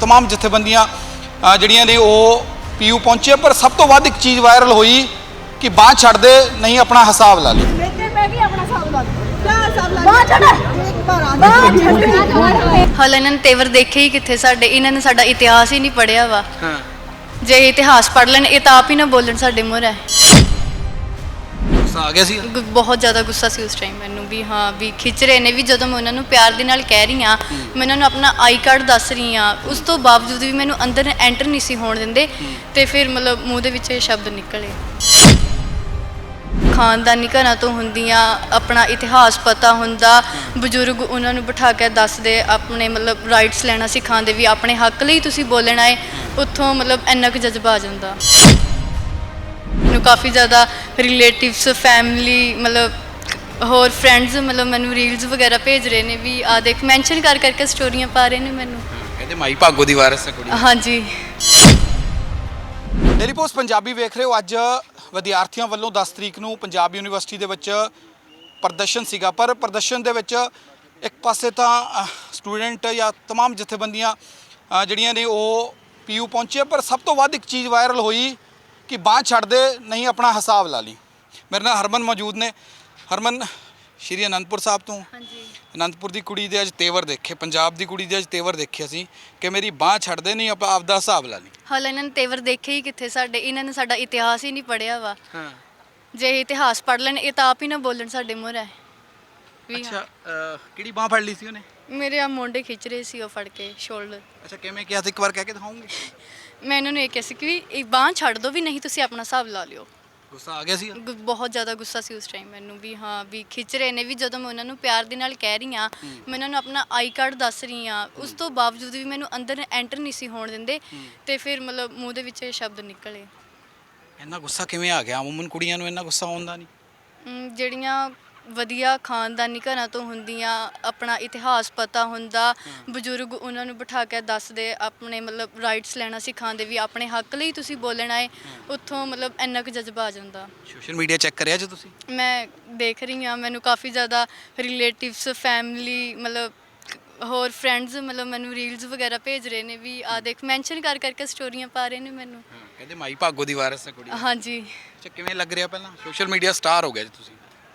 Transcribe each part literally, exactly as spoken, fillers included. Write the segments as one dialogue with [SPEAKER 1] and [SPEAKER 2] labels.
[SPEAKER 1] तमाम जथेबंदियां ਜਿਹੜੀਆਂ ਨੇ ਉਹ ਪੀਯੂ ਪਹੁੰਚੇ। ਪਰ ਸਭ ਤੋਂ ਵੱਧ ਇੱਕ ਚੀਜ਼ ਵਾਇਰਲ ਹੋਈ ਕਿ ਬਾਂਹ ਛੱਡ ਦੇ ਨਹੀਂ ਆਪਣਾ ਹਿਸਾਬ ਲਾ ਲਈ।
[SPEAKER 2] ਹਾਲੇ ਇਹਨਾਂ ਨੇ ਤੇਵਰ ਦੇਖੇ ਹੀ ਕਿੱਥੇ ਸਾਡੇ, ਇਹਨਾਂ ਨੇ ਸਾਡਾ ਇਤਿਹਾਸ ਹੀ ਨਹੀਂ ਪੜ੍ਹਿਆ ਵਾ। ਜੇ ਇਤਿਹਾਸ ਪੜ੍ਹ ਲੈਣ ਇਹ ਤਾਂ ਆਪ ਹੀ ਨਾ ਬੋਲਣ ਸਾਡੇ ਮੂਹਰੇ।
[SPEAKER 1] ਗੁੱਸਾ ਆ ਗਿਆ ਸੀ,
[SPEAKER 2] ਬਹੁਤ ਜ਼ਿਆਦਾ ਗੁੱਸਾ ਸੀ ਉਸ ਟਾਈਮ ਮੈਨੂੰ ਵੀ। ਹਾਂ ਵੀ ਖਿੱਚ ਰਹੇ ਨੇ ਵੀ, ਜਦੋਂ ਮੈਂ ਉਹਨਾਂ ਨੂੰ ਪਿਆਰ ਦੇ ਨਾਲ ਕਹਿ ਰਹੀ ਹਾਂ, ਮੈਂ ਉਹਨਾਂ ਨੂੰ ਆਪਣਾ ਆਈ ਕਾਰਡ ਦੱਸ ਰਹੀ ਹਾਂ, ਉਸ ਤੋਂ ਬਾਵਜੂਦ ਵੀ ਮੈਨੂੰ ਅੰਦਰ ਐਂਟਰ ਨਹੀਂ ਸੀ ਹੋਣ ਦਿੰਦੇ। ਤੇ ਫਿਰ ਮਤਲਬ ਮੂੰਹ ਦੇ ਵਿੱਚ ਇਹ ਸ਼ਬਦ ਨਿਕਲੇ। ਖਾਨਦਾਨੀ ਘਰਾਂ ਤੋਂ ਹੁੰਦੀਆਂ, ਆਪਣਾ ਇਤਿਹਾਸ ਪਤਾ ਹੁੰਦਾ, ਬਜ਼ੁਰਗ ਉਹਨਾਂ ਨੂੰ ਬਿਠਾ ਕੇ ਦੱਸਦੇ, ਆਪਣੇ ਮਤਲਬ ਰਾਈਟਸ ਲੈਣਾ ਸਿਖਾਉਂਦੇ ਵੀ ਆਪਣੇ ਹੱਕ ਲਈ ਤੁਸੀਂ ਬੋਲਣਾ ਹੈ। ਉੱਥੋਂ ਮਤਲਬ ਇੰਨਾ ਕੁ ਜਜ਼ਬਾ ਆ ਜਾਂਦਾ। ਮੈਨੂੰ ਕਾਫੀ ਜ਼ਿਆਦਾ ਰਿਲੇਟਿਵਸ, ਫੈਮਿਲੀ, ਮਤਲਬ ਹੋਰ ਫਰੈਂਡਸ ਮਤਲਬ ਮੈਨੂੰ ਰੀਲਸ ਵਗੈਰਾ ਭੇਜ ਰਹੇ ਨੇ ਵੀ ਆ ਦੇਖ, ਮੈਂਸ਼ਨ ਕਰ ਕਰਕੇ ਸਟੋਰੀਆਂ ਪਾ ਰਹੇ ਨੇ ਮੈਨੂੰ।
[SPEAKER 1] ਕਹਿੰਦੇ ਮਾਈ ਭਾਗੋ ਦੀ ਵਾਰਸ ਹੈ ਕੁੜੀ।
[SPEAKER 2] ਹਾਂਜੀ।
[SPEAKER 1] ਡੇਲੀ ਪੋਸਟ ਪੰਜਾਬੀ ਵੇਖ ਰਹੇ ਹੋ। ਅੱਜ ਵਿਦਿਆਰਥੀਆਂ ਵੱਲੋਂ ਦਸ ਤਰੀਕ ਨੂੰ ਪੰਜਾਬ ਯੂਨੀਵਰਸਿਟੀ ਦੇ ਵਿੱਚ ਪ੍ਰਦਰਸ਼ਨ ਸੀਗਾ। ਪਰ ਪ੍ਰਦਰਸ਼ਨ ਦੇ ਵਿੱਚ ਇੱਕ ਪਾਸੇ ਤਾਂ ਸਟੂਡੈਂਟ ਜਾਂ ਤਮਾਮ ਜਥੇਬੰਦੀਆਂ ਜਿਹੜੀਆਂ ਨੇ ਉਹ ਪੀਯੂ ਪਹੁੰਚੇ। ਪਰ ਸਭ ਤੋਂ ਵੱਧ ਇੱਕ ਚੀਜ਼ ਵਾਇਰਲ ਹੋਈ ਕਿ ਬਾਂਹ ਛੱਡ ਦੇ ਨਹੀਂ ਆਪਣਾ ਹਿਸਾਬ ਲਾ ਲਈ। ਮੇਰੇ ਨਾਲ ਹਰਮਨ ਮੌਜੂਦ ਨੇ। ਹਰਮਨ, ਸ਼੍ਰੀ ਅਨੰਦਪੁਰ ਸਾਹਿਬ ਤੋਂ।
[SPEAKER 2] ਹਾਂਜੀ।
[SPEAKER 1] ਅਨੰਦਪੁਰ ਦੀ ਕੁੜੀ ਦੇ ਅੱਜ ਤੇਵਰ ਦੇਖੇ, ਪੰਜਾਬ ਦੀ ਕੁੜੀ ਦੇ ਅੱਜ ਤੇਵਰ ਦੇਖੇ ਅਸੀਂ ਕਿ ਮੇਰੀ ਬਾਂਹ ਛੱਡ ਦੇ ਨਹੀਂ ਆਪਾਂ ਆਪਦਾ ਹਿਸਾਬ ਲਾ ਲਈ।
[SPEAKER 2] ਹਾਲੇ ਇਹਨਾਂ ਨੇ ਤੇਵਰ ਦੇਖੇ ਹੀ ਕਿੱਥੇ ਸਾਡੇ, ਇਹਨਾਂ ਨੇ ਸਾਡਾ ਇਤਿਹਾਸ ਹੀ ਨਹੀਂ ਪੜ੍ਹਿਆ ਵਾ। ਜੇ ਇਤਿਹਾਸ ਪੜ੍ਹ ਲੈਣ ਇਹ ਤਾਂ ਆਪ ਹੀ ਨਾ ਬੋਲਣ ਸਾਡੇ ਮੂਹਰੇ।
[SPEAKER 1] ਅੱਛਾ, ਕਿਹੜੀ ਬਾਂਹ ਫੜ ਲਈ ਸੀ ਉਹਨੇ?
[SPEAKER 2] ਮੇਰੇ ਆ ਮੋਢੇ ਖਿੱਚ ਰਹੇ ਸੀ ਉਹ ਫੜ ਕੇ, ਸ਼ੋਲਡਰ।
[SPEAKER 1] ਅੱਛਾ, ਕਿਵੇਂ ਕਿਹਾ ਸੀ? ਇੱਕ ਵਾਰ ਕਹਿ ਕੇ ਦਿਖਾਉਂਗੇ?
[SPEAKER 2] ਮੈਂ ਇਹਨਾਂ ਨੂੰ ਇਹ ਕਿਹਾ ਸੀ ਕਿ ਇਹ ਬਾਂਹ ਛੱਡ ਦਿਓ ਵੀ, ਨਹੀਂ ਤੁਸੀਂ ਆਪਣਾ ਹਿਸਾਬ ਲਾ ਲਿਓ।
[SPEAKER 1] ਗੁੱਸਾ ਆ ਗਿਆ ਸੀ?
[SPEAKER 2] ਗੁ- ਬਹੁਤ ਜ਼ਿਆਦਾ ਗੁੱਸਾ ਸੀ ਉਸ ਟਾਈਮ ਮੈਨੂੰ ਵੀ। ਹਾਂ ਵੀ ਖਿੱਚ ਰਹੇ ਨੇ ਵੀ, ਜਦੋਂ ਮੈਂ ਉਹਨਾਂ ਨੂੰ ਪਿਆਰ ਦੇ ਨਾਲ ਕਹਿ ਰਹੀ ਹਾਂ, ਮੈਂ ਉਹਨਾਂ ਨੂੰ ਆਪਣਾ ਆਈ ਕਾਰਡ ਦੱਸ ਰਹੀ ਹਾਂ, ਉਸ ਤੋਂ ਬਾਵਜੂਦ ਵੀ ਮੈਨੂੰ ਅੰਦਰ ਐਂਟਰ ਨਹੀਂ ਸੀ ਹੋਣ ਦਿੰਦੇ। ਤੇ ਫਿਰ ਮਤਲਬ ਮੂੰਹ ਦੇ ਵਿੱਚ ਇਹ ਸ਼ਬਦ ਨਿਕਲੇ।
[SPEAKER 1] ਇੰਨਾ ਗੁੱਸਾ ਕਿਵੇਂ ਆ ਗਿਆ? ਅਮੂਮਨ ਕੁੜੀਆਂ ਨੂੰ ਇੰਨਾ ਗੁੱਸਾ ਆਉਂਦਾ ਨਹੀਂ।
[SPEAKER 2] ਅਮ ਜਿਹੜੀਆਂ ਵਧੀਆ ਖਾਨਦਾਨੀ ਘਰਾਂ ਤੋਂ ਹੁੰਦੀਆਂ, ਆਪਣਾ ਇਤਿਹਾਸ ਪਤਾ ਹੁੰਦਾ, ਬਜ਼ੁਰਗ ਉਹਨਾਂ ਨੂੰ ਬਿਠਾ ਕੇ ਦੱਸਦੇ, ਆਪਣੇ ਮਤਲਬ ਰਾਈਟਸ ਲੈਣਾ ਸਿਖਾਉਂਦੇ ਵੀ ਆਪਣੇ ਹੱਕ ਲਈ ਤੁਸੀਂ ਬੋਲਣਾ ਹੈ। ਉੱਥੋਂ ਮਤਲਬ ਇੰਨਾ ਕੁ ਜਜ਼ਬਾ ਆ ਜਾਂਦਾ।
[SPEAKER 1] ਸੋਸ਼ਲ ਮੀਡੀਆ ਚੈੱਕ ਕਰਿਆ ਜੇ ਤੁਸੀਂ?
[SPEAKER 2] ਮੈਂ ਦੇਖ ਰਹੀ ਹਾਂ, ਮੈਨੂੰ ਕਾਫੀ ਜ਼ਿਆਦਾ ਰਿਲੇਟਿਵਸ, ਫੈਮਿਲੀ, ਮਤਲਬ ਹੋਰ ਫਰੈਂਡਸ ਮਤਲਬ ਮੈਨੂੰ ਰੀਲਸ ਵਗੈਰਾ ਭੇਜ ਰਹੇ ਨੇ ਵੀ ਆ ਦੇਖ, ਮੈਂਸ਼ਨ ਕਰ ਕਰਕੇ ਸਟੋਰੀਆਂ ਪਾ ਰਹੇ ਨੇ ਮੈਨੂੰ।
[SPEAKER 1] ਕਹਿੰਦੇ ਮਾਈ ਭਾਗੋ ਦੀ ਵਾਰਸ ਹੈ ਕੁੜੀ।
[SPEAKER 2] ਹਾਂਜੀ।
[SPEAKER 1] ਅੱਛਾ, ਕਿਵੇਂ ਲੱਗ ਰਿਹਾ? ਪਹਿਲਾਂ ਸੋਸ਼ਲ ਮੀਡੀਆ ਸਟਾਰ ਹੋ ਗਿਆ ਜੀ ਤੁਸੀਂ।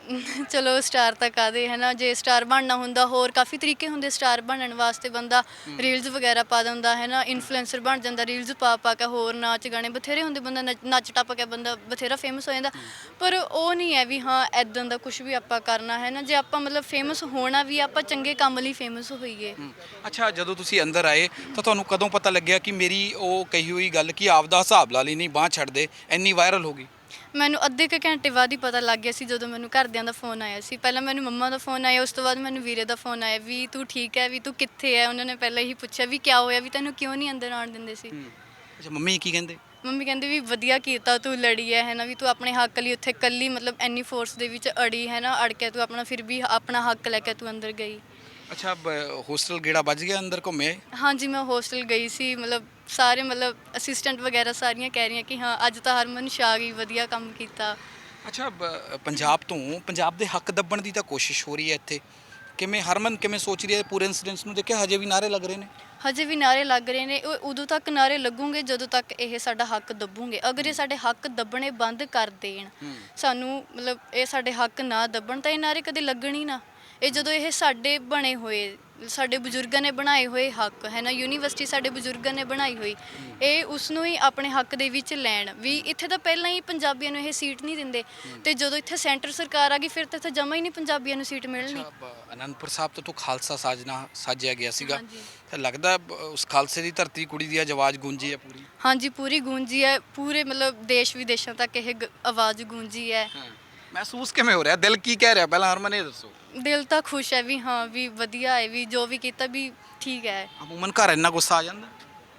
[SPEAKER 2] ਚਲੋ ਸਟਾਰ ਤਾਂ ਕਾਹਦੇ ਹੈ ਨਾ, ਜੇ ਸਟਾਰ ਬਣਨਾ ਹੁੰਦਾ ਹੋਰ ਕਾਫੀ ਤਰੀਕੇ ਹੁੰਦੇ ਸਟਾਰ ਬਣਨ ਵਾਸਤੇ। ਬੰਦਾ ਰੀਲਸ ਵਗੈਰਾ ਪਾ ਦਿੰਦਾ ਹੈ ਨਾ, ਇਨਫਲੂਐਂਸਰ ਬਣ ਜਾਂਦਾ ਰੀਲਸ ਪਾ ਪਾ ਕੇ। ਹੋਰ ਨਾਚ ਗਾਣੇ ਬਥੇਰੇ ਹੁੰਦੇ, ਬੰਦਾ ਨੱਚ- ਨੱਚ ਟੱਪ ਕੇ ਬੰਦਾ ਬਥੇਰਾ ਫੇਮਸ ਹੋ ਜਾਂਦਾ। ਪਰ ਉਹ ਨਹੀਂ ਹੈ ਵੀ ਹਾਂ ਇੱਦਾਂ ਦਾ ਕੁਝ ਵੀ ਆਪਾਂ ਕਰਨਾ ਹੈ ਨਾ। ਜੇ ਆਪਾਂ ਮਤਲਬ ਫੇਮਸ ਹੋਣਾ ਵੀ, ਆਪਾਂ ਚੰਗੇ ਕੰਮ ਲਈ ਫੇਮਸ ਹੋਈਏ।
[SPEAKER 1] ਅੱਛਾ, ਜਦੋਂ ਤੁਸੀਂ ਅੰਦਰ ਆਏ ਤਾਂ ਤੁਹਾਨੂੰ ਕਦੋਂ ਪਤਾ ਲੱਗਿਆ ਕਿ ਮੇਰੀ ਉਹ ਕਹੀ ਹੋਈ ਗੱਲ ਕਿ ਆਪਦਾ ਹਿਸਾਬ ਲਾ ਲਈ ਨਹੀਂ ਬਾਂਹ ਛੱਡ ਦੇ ਇੰਨੀ ਵਾਇਰਲ ਹੋ ਗਈ?
[SPEAKER 2] ਮੈਨੂੰ ਅੱਧੇ ਕੁ ਘੰਟੇ ਬਾਅਦ ਹੀ ਪਤਾ ਲੱਗ ਗਿਆ ਸੀ, ਜਦੋਂ ਮੈਨੂੰ ਘਰਦਿਆਂ ਦਾ ਫੋਨ ਆਇਆ ਸੀ। ਪਹਿਲਾਂ ਮੈਨੂੰ ਮੰਮਾ ਦਾ ਫੋਨ ਆਇਆ, ਉਸ ਤੋਂ ਬਾਅਦ ਮੈਨੂੰ ਵੀਰੇ ਦਾ ਫੋਨ ਆਇਆ ਵੀ ਤੂੰ ਠੀਕ ਹੈ, ਵੀ ਤੂੰ ਕਿੱਥੇ ਹੈ। ਉਹਨਾਂ ਨੇ ਪਹਿਲਾਂ ਹੀ ਪੁੱਛਿਆ ਵੀ ਕਿਆ ਹੋਇਆ, ਵੀ ਤੈਨੂੰ ਕਿਉਂ ਨਹੀਂ ਅੰਦਰ ਆਉਣ ਦਿੰਦੇ ਸੀ।
[SPEAKER 1] ਅੱਛਾ, ਮੰਮੀ ਕੀ ਕਹਿੰਦੇ?
[SPEAKER 2] ਮੰਮੀ ਕਹਿੰਦੇ ਵੀ ਵਧੀਆ ਕੀਤਾ ਤੂੰ ਲੜੀ ਹੈ ਹੈ ਨਾ, ਵੀ ਤੂੰ ਆਪਣੇ ਹੱਕ ਲਈ ਉੱਥੇ ਇਕੱਲੀ ਮਤਲਬ ਇੰਨੀ ਫੋਰਸ ਦੇ ਵਿੱਚ ਅੜੀ ਹੈ ਨਾ, ਅੜ ਕੇ ਤੂੰ ਆਪਣਾ ਫਿਰ ਵੀ ਆਪਣਾ ਹੱਕ ਲੈ ਕੇ ਤੂੰ ਅੰਦਰ ਗਈ।
[SPEAKER 1] ਅੱਛਾ, ਹੋਸਟਲ ਗੇੜਾ ਵੱਜ ਗਿਆ, ਅੰਦਰ ਘੁੰਮੇ?
[SPEAKER 2] ਹਾਂਜੀ, ਮੈਂ ਹੋਸਟਲ ਗਈ ਸੀ। ਮਤਲਬ ਸਾਰੇ ਮਤਲਬ ਅਸਿਸਟੈਂਟ ਵਗੈਰਾ ਸਾਰੀਆਂ ਕਹਿ ਰਹੀਆਂ ਕਿ ਹਾਂ ਅੱਜ ਤਾਂ ਹਰਮਨ ਛਾ ਗਈ, ਵਧੀਆ ਕੰਮ ਕੀਤਾ।
[SPEAKER 1] ਅੱਛਾ, ਪੰਜਾਬ ਤੋਂ ਪੰਜਾਬ ਦੇ ਹੱਕ ਦੱਬਣ ਦੀ ਤਾਂ ਕੋਸ਼ਿਸ਼ ਹੋ ਰਹੀ ਹੈ ਇੱਥੇ। ਕਿਵੇਂ ਹਰਮਨ, ਕਿਵੇਂ ਸੋਚ ਰਹੀ ਹੈ ਪੂਰੇ ਇੰਸੀਡੈਂਟਸ ਨੂੰ ਦੇਖਿਆ? ਹਜੇ ਵੀ ਨਾਅਰੇ ਲੱਗ ਰਹੇ ਨੇ?
[SPEAKER 2] ਹਜੇ ਵੀ ਨਾਅਰੇ ਲੱਗ ਰਹੇ ਨੇ। ਉਹ ਉਦੋਂ ਤੱਕ ਨਾਅਰੇ ਲੱਗੂਗੇ ਜਦੋਂ ਤੱਕ ਇਹ ਸਾਡਾ ਹੱਕ ਦੱਬੂਗੇ। ਅਗਰ ਇਹ ਸਾਡੇ ਹੱਕ ਦੱਬਣੇ ਬੰਦ ਕਰ ਦੇਣ, ਸਾਨੂੰ ਮਤਲਬ ਇਹ ਸਾਡੇ ਹੱਕ ਨਾ ਦੱਬਣ, ਤਾਂ ਇਹ ਨਾਅਰੇ ਕਦੇ ਲੱਗਣ ਹੀ ਨਾ। ਇਹ ਜਦੋਂ ਇਹ ਸਾਡੇ ਬਣੇ ਹੋਏ, ਸਾਡੇ ਬਜ਼ੁਰਗਾਂ ਨੇ ਬਣਾਏ ਹੋਏ ਹੱਕ ਹੈ ਨਾ, ਯੂਨੀਵਰਸਿਟੀ ਸਾਡੇ ਬਜ਼ੁਰਗਾਂ ਨੇ ਬਣਾਈ ਹੋਈ, ਇਹ ਉਸ ਨੂੰ ਹੀ ਆਪਣੇ ਹੱਕ ਦੇ ਵਿੱਚ ਲੈਣ। ਵੀ ਇੱਥੇ ਤਾਂ ਪਹਿਲਾਂ ਹੀ ਪੰਜਾਬੀਆਂ ਨੂੰ ਇਹ ਸੀਟ ਨਹੀਂ ਦਿੰਦੇ, ਤੇ ਜਦੋਂ ਇੱਥੇ ਸੈਂਟਰ ਸਰਕਾਰ ਆ ਗਈ ਫਿਰ ਤਾਂ ਇੱਥੇ ਜਮਾ ਹੀ ਨਹੀਂ ਪੰਜਾਬੀਆਂ ਨੂੰ ਸੀਟ ਮਿਲਣੀ।
[SPEAKER 1] ਅਨੰਦਪੁਰ ਸਾਹਿਬ ਤੋਂ ਤੂੰ ਖਾਲਸਾ ਸਾਜਣਾ ਸਾਜਿਆ ਗਿਆ ਸੀਗਾ, ਤਾਂ ਲੱਗਦਾ ਉਸ ਖਾਲਸੇ ਦੀ ਧਰਤੀ ਕੁੜੀ ਦੀ ਅੱਜ ਆਵਾਜ਼ ਗੂੰਜੀ ਹੈ ਪੂਰੀ?
[SPEAKER 2] ਹਾਂਜੀ, ਪੂਰੀ ਗੂੰਜੀ ਹੈ। ਪੂਰੇ ਮਤਲਬ ਦੇਸ਼ ਵਿਦੇਸ਼ਾਂ ਤੱਕ ਇਹ ਗ- ਆਵਾਜ਼ ਗੂੰਜੀ ਹੈ।
[SPEAKER 1] ਮਹਿਸੂਸ ਕਿਵੇਂ ਹੋ ਰਿਹਾ? ਦਿਲ ਕੀ ਕਹਿ ਰਿਹਾ? ਪਹਿਲਾਂ ਹਰਮਨ ਇਹ ਦੱਸੋ।
[SPEAKER 2] ਦਿਲ ਤਾਂ ਖੁਸ਼ ਹੈ ਵੀ ਹਾਂ ਵੀ ਵਧੀਆ ਹੈ, ਵੀ ਜੋ ਵੀ ਕੀਤਾ ਵੀ ਠੀਕ ਹੈ।
[SPEAKER 1] ਅਮੂਮਨ ਘਰ ਇੰਨਾ ਗੁੱਸਾ ਆ ਜਾਂਦਾ?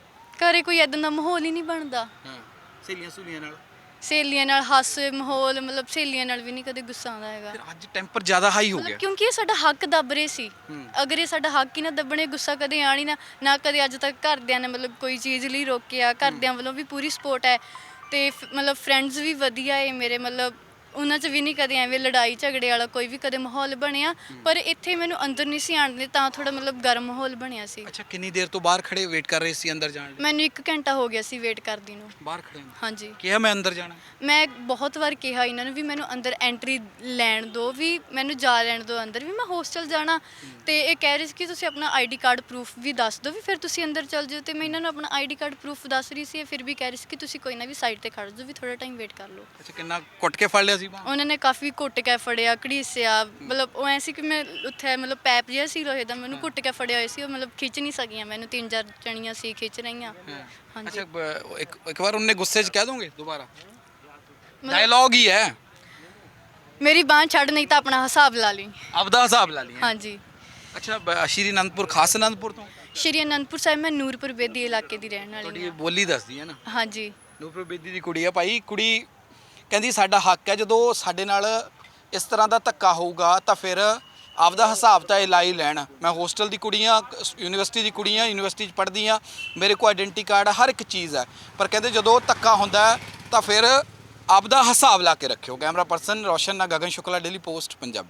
[SPEAKER 2] ਘਰੇ ਕੋਈ ਇਦਾਂ ਦਾ ਮਾਹੌਲ ਹੀ ਨਹੀਂ ਬਣਦਾ।
[SPEAKER 1] ਸਹੇਲੀਆਂ ਸਹੂਲੀਆਂ ਨਾਲ
[SPEAKER 2] ਸਹੇਲੀਆਂ ਨਾਲ ਹਾਸੇ ਮਾਹੌਲ, ਮਤਲਬ ਸਹੇਲੀਆਂ ਨਾਲ ਵੀ ਨਹੀਂ ਕਦੇ ਗੁੱਸਾ ਆਉਂਦਾ ਹੈਗਾ।
[SPEAKER 1] ਫਿਰ ਅੱਜ ਟੈਂਪਰ ਜ਼ਿਆਦਾ ਹਾਈ ਹੋ ਗਿਆ
[SPEAKER 2] ਮਤਲਬ ਕਿਉਂਕਿ ਇਹ ਸਾਡਾ ਹੱਕ ਦੱਬ ਰਹੇ ਸੀ। ਅਗਰ ਇਹ ਸਾਡਾ ਹੱਕ ਹੀ ਨਾ ਦੱਬਣੇ, ਗੁੱਸਾ ਕਦੇ ਆਣੀ ਨਾ ਨਾ ਕਦੇ ਅੱਜ ਤੱਕ ਘਰਦਿਆਂ ਨੇ ਮਤਲਬ ਕੋਈ ਚੀਜ਼ ਲਈ ਰੋਕਿਆ। ਘਰਦਿਆਂ ਵੱਲੋਂ ਵੀ ਪੂਰੀ ਸਪੋਰਟ ਹੈ, ਤੇ ਮਤਲਬ ਫਰੈਂਡਸ ਵੀ ਵਧੀਆ ਹੈ ਮੇਰੇ। ਮਤਲਬ ਉਹਨਾਂ 'ਚ ਵੀ ਨਹੀਂ ਕਦੇ ਐਵੇਂ ਲੜਾਈ ਝਗੜੇ ਵਾਲਾ ਕੋਈ ਵੀ ਕਦੇ ਮਾਹੌਲ ਬਣਿਆ, ਪਰ ਇੱਥੇ ਮੈਨੂੰ ਅੰਦਰ ਨਹੀਂ ਸੀ ਆਉਣ ਦਿੰਦੇ, ਤਾਂ ਥੋੜਾ ਮਤਲਬ ਗਰਮ ਮਾਹੌਲ ਬਣਿਆ ਸੀ।
[SPEAKER 1] ਅੱਛਾ, ਕਿੰਨੀ ਦੇਰ ਤੋਂ ਬਾਹਰ ਖੜੇ ਵੇਟ ਕਰ ਰਹੇ ਸੀ ਅੰਦਰ ਜਾਣ ਲਈ?
[SPEAKER 2] ਮੈਨੂੰ ਇੱਕ ਘੰਟਾ ਹੋ ਗਿਆ ਸੀ ਵੇਟ ਕਰਦੀ ਨੂੰ।
[SPEAKER 1] ਬਾਹਰ ਖੜੇ ਨੂੰ
[SPEAKER 2] ਹਾਂਜੀ,
[SPEAKER 1] ਕਿਹਾ ਮੈਂ ਅੰਦਰ ਜਾਣਾ?
[SPEAKER 2] ਮੈਂ ਬਹੁਤ ਵਾਰ ਕਿਹਾ ਇਹਨਾਂ ਨੂੰ ਵੀ ਮੈਨੂੰ ਅੰਦਰ ਐਂਟਰੀ ਲੈਣ ਦਿਓ, ਵੀ ਮੈਨੂੰ ਜਾ ਲੈਣ ਦਿਓ ਅੰਦਰ, ਵੀ ਮੈਂ ਹੋਸਟਲ ਜਾਣਾ। ਤੇ ਇਹ ਕਹਿ ਰਹੇ ਸੀ ਕਿ ਤੁਸੀਂ ਆਪਣਾ ਆਈਡੀ ਕਾਰਡ ਪ੍ਰੂਫ ਵੀ ਦੱਸ ਦਿਓ, ਵੀ ਫਿਰ ਤੁਸੀਂ ਅੰਦਰ ਚੱਲ ਜਾਓ। ਤੇ ਮੈਂ ਇਹਨਾਂ ਨੂੰ ਆਪਣਾ ਆਈਡੀ ਕਾਰਡ ਪ੍ਰੂਫ ਦੱਸ ਰਹੀ ਸੀ, ਇਹ ਫਿਰ ਵੀ ਕਹਿ ਰਹੇ ਸੀ ਕਿ ਤੁਸੀਂ ਕੋਈ ਨਾ ਵੀ ਸਾਈਡ ਤੇ ਖੜ ਜਾਓ, ਵੀ ਥੋੜਾ ਟਾਈਮ ਵੇਟ ਕਰ ਲਓ।
[SPEAKER 1] ਅੱਛਾ, ਕਿੰਨਾ ਕੁੱਟ ਕੇ ਫੜ ਲਿਆ ਸੀ ਬਾਹਰ?
[SPEAKER 2] ਉਹਨਾਂ ਨੇ ਕਾਫੀ ਘੁੱਟ ਕੇ ਫੜਿਆ, ਘੜੀਸਿਆ, ਮਤਲਬ ਉਹ ਐ ਸੀ ਕਿ ਮੈਂ ਉੱਥੇ ਮਤਲਬ ਪੈਪ ਜਿਹਾ ਸੀ ਲੋਹੇ ਦਾ, ਮੈਨੂੰ ਘੁੱਟ ਕੇ ਫੜਿਆ ਹੋਇਆ ਸੀ, ਉਹ ਮਤਲਬ ਖਿੱਚ ਨਹੀਂ ਸਕੀਆਂ ਮੈਨੂੰ, ਤਿੰਨ ਚਾਰ ਜਣੀਆਂ ਸੀ ਖਿੱਚ ਰਹੀਆਂ। ਹਾਂਜੀ,
[SPEAKER 1] ਅੱਛਾ, ਬ- ਇੱਕ ਇੱਕ ਵਾਰ ਉਹਨੇ ਗੁੱਸੇ 'ਚ ਕਹਿ ਦੋਗੇ ਦੁਬਾਰਾ? ਡਾਇਲੌਗ ਹੀ ਹੈ।
[SPEAKER 2] ਮੇਰੀ ਬਾਂਹ ਛੱਡ, ਨਹੀਂ ਤਾਂ ਆਪਣਾ ਹਿਸਾਬ ਲਾ ਲਈ।
[SPEAKER 1] ਆਪਦਾ ਹਿਸਾਬ ਲਾ ਲਿਆ।
[SPEAKER 2] ਹਾਂਜੀ,
[SPEAKER 1] ਅੱਛਾ, ਬ- ਸ਼੍ਰੀ ਅਨੰਦਪੁਰ, ਖਾਸ ਅਨੰਦਪੁਰ ਤੋਂ?
[SPEAKER 2] ਸ਼੍ਰੀ ਅਨੰਦਪੁਰ ਸਾਹਿਬ, ਮੈਂ ਨੂਰਪੁਰ ਬੇਦੀ ਇਲਾਕੇ ਦੀ ਰਹਿਣ ਵਾਲੀ
[SPEAKER 1] ਤੁਹਾਡੀ
[SPEAKER 2] ਹਾਂ।
[SPEAKER 1] ਬੋਲੀ ਦੱਸਦੀ ਹੈ ਨਾ।
[SPEAKER 2] ਹਾਂਜੀ,
[SPEAKER 1] ਨੂਰਪੁਰ ਬੇਦੀ ਦੀ ਕੁੜੀ ਆ ਭਾਈ। ਕੁੜੀ ਕਹਿੰਦੀ ਸਾਡਾ ਹੱਕ ਹੈ, ਜਦੋਂ ਸਾਡੇ ਨਾਲ ਇਸ ਤਰ੍ਹਾਂ ਦਾ ਧੱਕਾ ਹੋਊਗਾ ਤਾਂ ਫਿਰ ਆਪਦਾ ਹਿਸਾਬ ਤਾਂ ਇਹ ਲਾ ਹੀ ਲੈਣ। ਮੈਂ ਹੋਸਟਲ ਦੀ ਕੁੜੀ ਹਾਂ, ਯੂਨੀਵਰਸਿਟੀ ਦੀ ਕੁੜੀ ਹਾਂ, ਯੂਨੀਵਰਸਿਟੀ 'ਚ ਪੜ੍ਹਦੀ ਹਾਂ, ਮੇਰੇ ਕੋਲ ਆਇਡੈਂਟੀ ਕਾਰਡ ਹਰ ਇੱਕ ਚੀਜ਼ ਹੈ, ਪਰ ਕਹਿੰਦੇ ਜਦੋਂ ਧੱਕਾ ਹੁੰਦਾ ਹੈ ਤਾਂ ਫਿਰ ਆਪਦਾ ਹਿਸਾਬ ਲਾ ਕੇ ਰੱਖਿਓ। ਕੈਮਰਾ ਪਰਸਨ ਰੋਸ਼ਨ ਨਾਲ, ਗਗਨ ਸ਼ੁਕਲਾ, ਡੇਲੀ ਪੋਸਟ ਪੰਜਾਬੀ।